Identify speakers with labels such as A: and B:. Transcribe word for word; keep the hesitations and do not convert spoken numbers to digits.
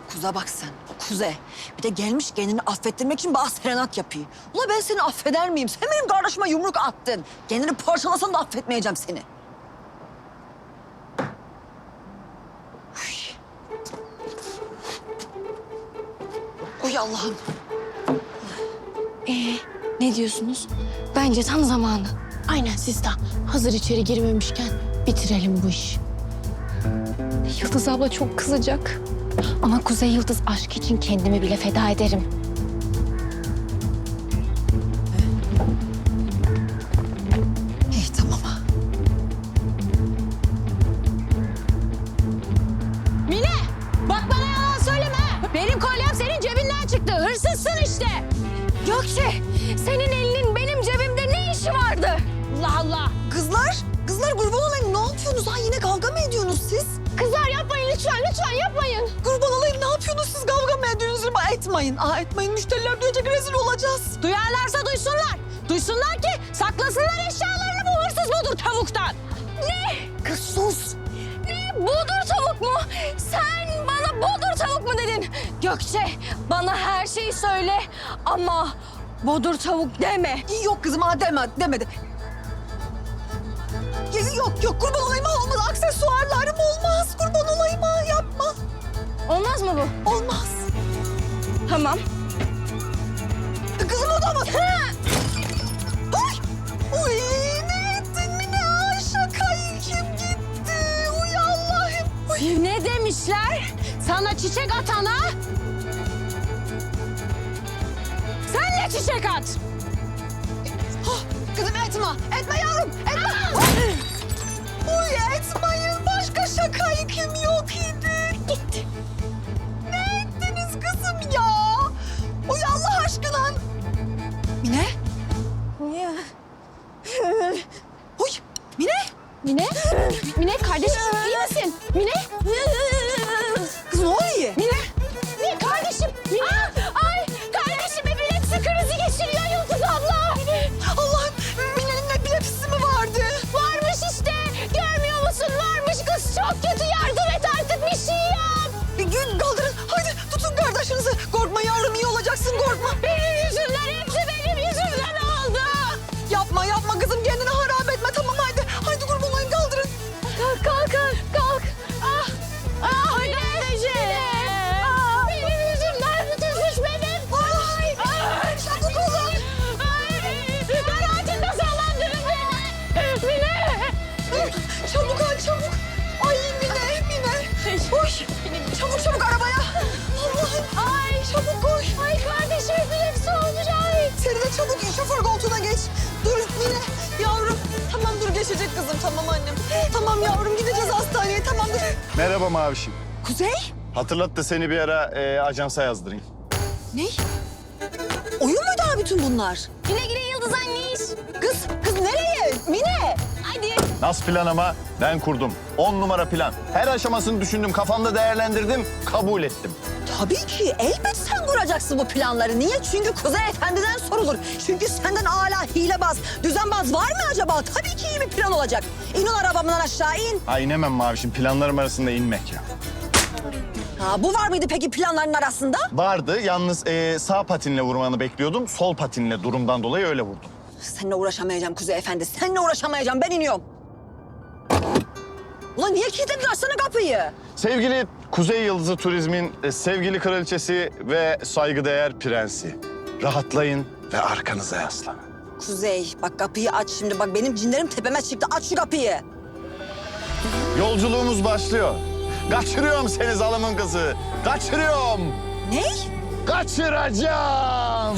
A: Kuza bak sen, kuze. Bir de gelmiş kendini affettirmek için bana serenat yapıyor. Ula ben seni affeder miyim? Sen benim kardeşime yumruk attın. Kendini parçalasan da affetmeyeceğim seni. Uy. Uy Allah'ım.
B: Ee, ne diyorsunuz? Bence tam zamanı.
C: Aynen siz de hazır içeri girmemişken bitirelim bu işi.
B: Yıldız abla çok kızacak. Ama Kuzey Yıldız aşk için kendimi bile feda ederim.
A: İyi tamam.
C: Mine! Bak bana yalan söyleme. Benim kolyem senin cebinden çıktı. Hırsızsın işte.
B: Gökçe, senin elinin benim cebimde ne işi vardı?
C: Allah Allah.
A: Kızlar, kızlar kurban olayım. Ne yapıyorsunuz? Ha yine kavga mı ediyorsunuz siz?
C: Kızlar yapmayın lütfen, lütfen yapmayın.
A: Kurban olayım ne yapıyorsunuz siz? Kavga mı ediyorsunuz? Ama etmeyin. Aa etmeyin. Müşteriler duyacak, rezil olacağız.
C: Duyarlarsa duysunlar. Duysunlar ki saklasınlar eşyalarını bu hırsız budur tavuktan.
B: Ne?
A: Kız sus.
B: Ne? Bodur tavuk mu? Sen bana bodur tavuk mu dedin? Gökçe, bana her şeyi söyle ama bodur tavuk deme.
A: Yok kızım ha deme, demedi. Ya, yok yok kurban olayım ha olmaz. Aksesuarlarım olmaz. Kurban olayım ha yapma.
B: Olmaz mı bu?
A: Olmaz.
B: Tamam.
A: Kızım o da mı? Uy! Uy ne ettin mi ne? Ay şakayı kim gitti? Uy Allah'ım. Uy.
C: Ne demişler? Sana çiçek atana sen de çiçek at.
A: Ah, kızım etme. Etme yavrum. Etme. Uy etmeyin. Başka şakayı kim yok idi? Gitti. Ne ettiniz kızım ya? Uy Allah aşkına. Mine?
B: Niye?
A: Uy Mine?
C: Mine? Mine kardeşim iyi misin? Mine?
A: Kız ne oluyor?
C: Mine? Mine kardeşim. Mine. Ay kardeşim epilepsi krizi geçiriyor Yıldız abla.
A: Allah'ım Mine'nin epilepsisi mi vardı?
C: Varmış işte. Görmüyor musun? Varmış kız çok kötü. Yardım et artık bir şey yap.
A: Bir gün kaldırın. Haydi tutun kardeşinizi. Korkma yavrum iyi olacaksın korkma.
C: Benim yüzümden hepsi benim yüzümden oldu.
A: Yapma yapma kızım kendini harap etme tamam haydi. Haydi kurban olayım kaldırın.
C: Kalk kalk kalk. Ah. Ah kardeşim. Ah, benim yüzümden bütün suç benim. Ay. Ay.
A: Çabuk olun.
C: Ay. Karahatinde sallandırın beni. Mine.
A: Çabuk al çabuk. Ay Mine Mine. Koş. Çabuk çabuk arabaya. Allah'ım.
C: Ay.
A: Çabuk koş.
C: Ay kardeşim epilepsi olmuş ay.
A: Seni de çabuk şoför koltuğuna geç. Dur Mine yavrum. Tamam dur geçecek kızım tamam annem. Tamam yavrum gideceğiz hastaneye tamam dur.
D: Merhaba Mavişim.
A: Kuzey?
D: Hatırlat da seni bir ara e, ajansa yazdırayım.
A: Ne? Oyun muydu ha bütün bunlar?
B: Güle güle Yıldız anneş.
A: Kız, kız nereye? Mine!
B: Hadi.
D: Nasıl plan ama ben kurdum. On numara plan. Her aşamasını düşündüm, kafamda değerlendirdim, kabul ettim.
A: Tabii ki. Elbet sen kuracaksın bu planları. Niye? Çünkü Kuzey Efendi'den sorulur. Çünkü senden hala hilebaz, düzenbaz var mı acaba? Tabii ki iyi bir plan olacak. İn ol arabamdan aşağı in.
D: Ha inemem Mavişim, planlarım arasında inmek ya.
A: Ha, bu var mıydı peki planların arasında?
D: Vardı, yalnız e, sağ patinle vurmanı bekliyordum. Sol patinle durumdan dolayı öyle vurdum.
A: Seninle uğraşamayacağım Kuzey Efendi. Seninle uğraşamayacağım. Ben iniyorum. Ulan niye kilitledin? Açsana kapıyı.
D: Sevgili Kuzey Yıldızı Turizm'in e, sevgili kraliçesi ve saygıdeğer prensi. Rahatlayın ve arkanıza yaslanın.
A: Kuzey bak kapıyı aç şimdi. Bak benim cinlerim tepeme çıktı. Aç şu kapıyı.
D: Yolculuğumuz başlıyor. Kaçırıyorum seni zalımın kızı. Kaçırıyorum.
A: Ne?
D: Kaçıracağım.